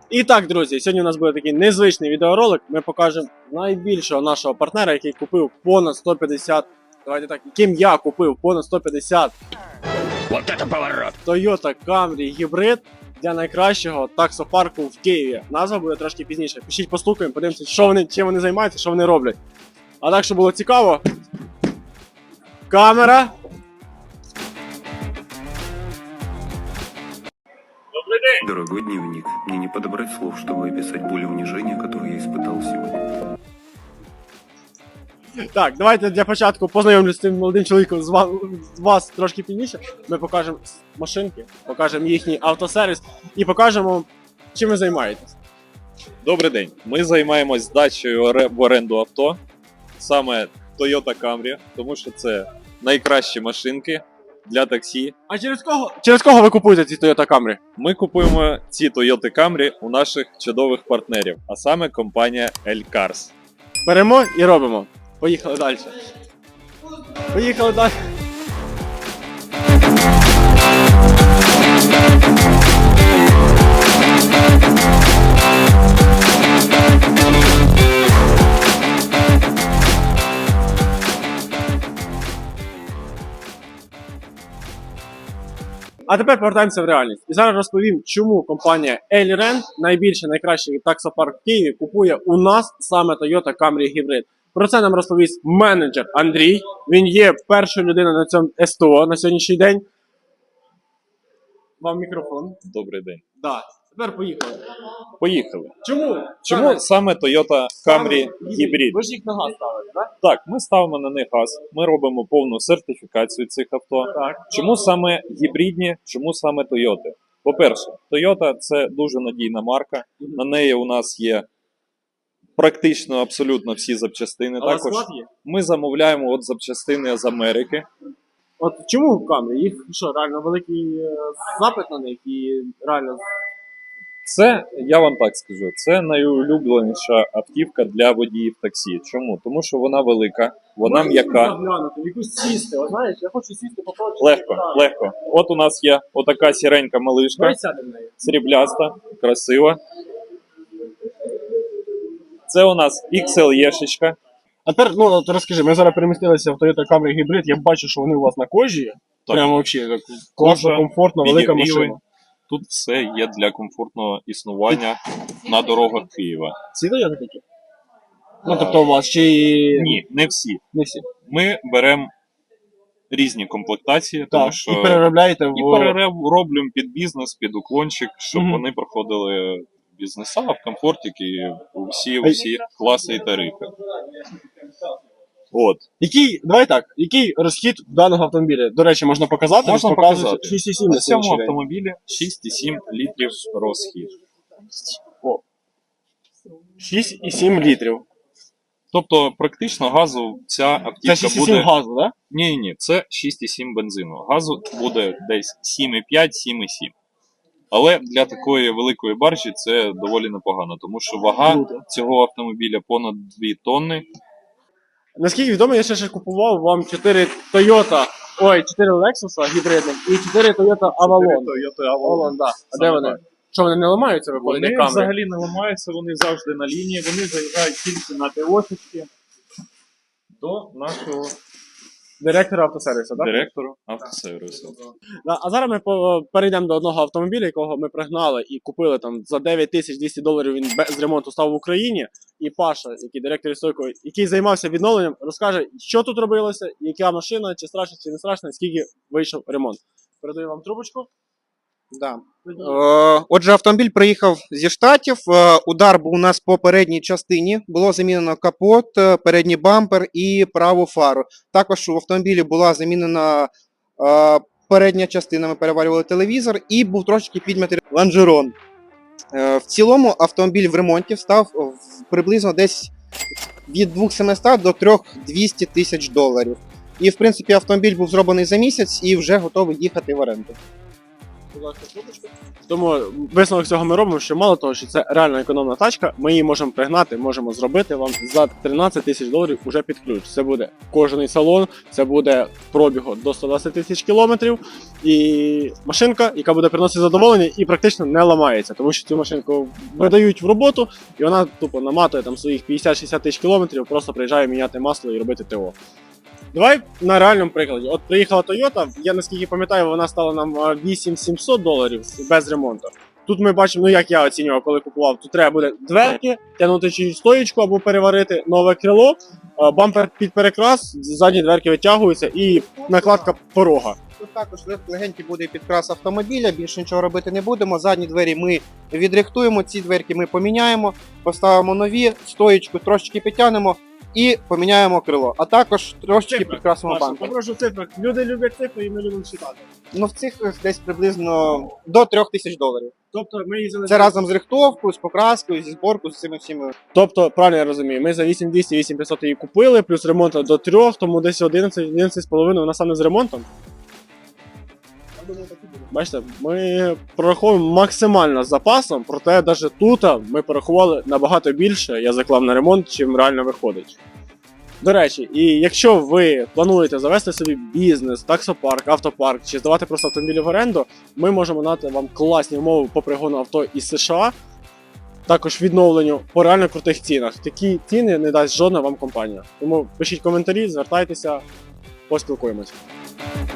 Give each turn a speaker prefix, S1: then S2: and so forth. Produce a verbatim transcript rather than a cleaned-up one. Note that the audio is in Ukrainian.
S1: І так, друзі, сьогодні у нас буде такий незвичний відеоролик. Ми покажемо найбільшого нашого партнера, який купив понад сто п'ятдесят, давайте так, яким я купив понад сто п'ятдесят
S2: Вот это поворот!
S1: Toyota Camry гібрид для найкращого таксопарку в Києві. Назва буде трошки пізніше. Пишіть, постукаємо, подивимося, що вони, чим вони займаються, що вони роблять. А так, щоб було цікаво, камера.
S3: Дорогой дневник, мне не подобрать слов, чтобы описать боль и унижение, которое я испытал сегодня.
S1: Так, давайте для початку познайомлюсь з цим молодим чоловіком з вас, з вас трошки пізніше. Ми покажемо машинки, покажемо їхній автосервіс і покажемо, чим ви займаєтесь.
S4: Добрий день. Ми займаємось здачею оре- в оренду авто, саме Toyota Camry, тому що це найкращі машинки для таксі.
S1: А через кого, через кого ви купуєте ці Toyota Camry?
S4: Ми купуємо ці Toyota Camry у наших чудових партнерів, а саме компанія L-Cars.
S1: Беремо і робимо. Поїхали далі. Поїхали далі. А тепер повертаємося в реальність. І зараз розповім, чому компанія L-Rent, найбільший, найкращий таксопарк в Києві, купує у нас саме Toyota Camry гібрид. Про це нам розповість менеджер Андрій. Він є першою людиною на цьому СТО на сьогоднішній день. Вам мікрофон.
S4: Добрий день.
S1: Да. Тепер поїхали.
S4: Поїхали.
S1: Чому?
S4: Чому саме Toyota Camry гібрид?
S1: Ви ж їх на газ ставите, так?
S4: Так, ми ставимо на них газ, ми робимо повну сертифікацію цих авто.
S1: Так.
S4: Чому саме гібридні, чому саме Toyota? По-перше, Toyota – це дуже надійна марка, на неї у нас є практично абсолютно всі запчастини.
S1: А у вас
S4: Також
S1: склад є?
S4: ми замовляємо от запчастини з Америки.
S1: От чому в Camry? Їх що, реально великий е, запит на них і реально...
S4: Це, я вам так скажу, це найулюбленіша автівка для водіїв таксі. Чому? Тому що вона велика, вона
S1: Можна
S4: м'яка.
S1: заглянути, в якусь сісти, от знаєш, я хочу сісти попробувати.
S4: Легко, легко. От у нас є отака сіренька малишка,
S1: Давай сядемо в неї.
S4: срібляста, красива. Це у нас ікс ел є-шечка.
S1: А тепер, ну, от розкажи, ми зараз перемістилися в Toyota Camry гібрид, я бачу, що вони у вас на кожі.
S4: Так.
S1: Прямо взагалі, так, класно,
S4: Кожа,
S1: комфортно, велика
S4: підігріви.
S1: машина.
S4: Тут все є для комфортного існування на дорогах Києва.
S1: Всі Toyota такі? Ну, тобто у вас чи...
S4: Ні, не всі.
S1: Не всі.
S4: Ми беремо різні комплектації, тому
S1: Так,
S4: що
S1: і переробляєте в...
S4: і перероблюємо під бізнес, під уклончик, щоб
S1: Мгм.
S4: вони проходили бізнеса в комфортики, усі, усі класи і тарифи. От.
S1: Який, давай так, який розхід даного автомобіля? До речі, можна показати?
S4: Можна
S1: Показує
S4: показати.
S1: шість і сім
S4: На
S1: на
S4: цьому
S1: сьогоднішній день.
S4: автомобілі шість і сім літрів розхід.
S1: шість і сім літрів.
S4: Тобто практично газу ця
S1: Це
S4: автівка
S1: шість і сім
S4: буде...
S1: газу, так?
S4: Ні, ні, це шість і сім бензину. Газу буде десь сім і п'ять - сім і сім. Але для такої великої баржі це доволі непогано, тому що вага
S1: Круто.
S4: цього автомобіля понад дві тонни.
S1: Наскільки відомо, я ще ще купував вам чотири Toyota, ой, чотири Lexus гібридних і чотири Toyota Avalon.
S4: Toyota
S1: Avalon, да. А
S4: Саме
S1: де вони?
S4: так.
S1: Що, вони не ламаються, виходить,
S4: Вони
S1: як Camry?
S4: взагалі не ламаються, вони завжди на лінії, вони заїжджають тільки на ТОшечки до нашого
S1: Директора автосервісу, так?
S4: директора автосервісу.
S1: Да, а зараз ми по- перейдемо до одного автомобіля, якого ми пригнали і купили там за дев'ять тисяч двісті доларів, він без ремонту став в Україні. І Паша, який директор істориків, який займався відновленням, розкаже, що тут робилося, яка машина, чи страшно, чи не страшно, скільки вийшов ремонт. Передаю вам трубочку.
S5: Да. Е, Отже, автомобіль приїхав зі Штатів. Е, Удар був у нас по передній частині. Було замінено капот, е, передній бампер і праву фару. Також у автомобілі була замінена е, передня частина. Ми переварювали телевізор і був трошки підмятий лонжерон. Е, В цілому автомобіль в ремонті став в- приблизно десь від двох сімсот до трьох двісті тисяч доларів. І, в принципі, автомобіль був зроблений за місяць і вже готовий їхати в оренду.
S1: Будь ласка, трубочку. Тому висновок цього ми робимо, що мало того, що це реально економна тачка, ми її можемо пригнати, можемо зробити вам за тринадцять тисяч доларів уже під ключ. Це буде кожний салон, це буде пробігу до сто двадцять тисяч кілометрів. І машинка, яка буде приносити задоволення і практично не ламається, тому що цю машинку видають в роботу, і вона тупо наматує там своїх п'ятдесят-шістдесят тисяч кілометрів, просто приїжджає міняти масло і робити ТО. Давай на реальному прикладі. От приїхала Toyota, я наскільки пам'ятаю, вона стала нам вісім тисяч сімсот доларів без ремонту. Тут ми бачимо, ну як я оцінював, коли купував, тут треба буде дверки, тягнути чи стоїчку або переварити, нове крило, а, бампер під перекрас, задні дверки витягуються і накладка порога.
S5: Тут також лег- легенький буде підкрас автомобіля, більше нічого робити не будемо. Задні двері ми відрихтуємо, ці дверки ми поміняємо, поставимо нові, стоїчку трошечки підтягнемо і поміняємо крило. А також трошечки
S1: Цифри.
S5: підкрасимо
S1: Маша,
S5: бампер.
S1: попрошу цифри. Люди люблять цифри і ми любимо читати.
S5: Ну в цих десь приблизно до трьох тисяч доларів.
S1: Тобто ми їздили.
S5: Це разом з рихтовкою, з покраскою, зі зборкою, з цими всіми.
S1: Тобто, правильно я розумію, ми за вісім двісті вісім п'ятсот її купили, плюс ремонт до трьох, тому десь одинадцять одинадцять з половиною вона саме з ремонтом. Бачите, ми прораховуємо максимально з запасом, проте навіть тут ми порахували набагато більше, я заклав на ремонт, чим реально виходить. До речі, і якщо ви плануєте завести собі бізнес, таксопарк, автопарк чи здавати просто автомобілі в оренду, ми можемо дати вам класні умови по пригону авто із США, також відновленню по реально крутих цінах. Такі ціни не дасть жодна вам компанія. Тому пишіть коментарі, звертайтеся, поспілкуємось.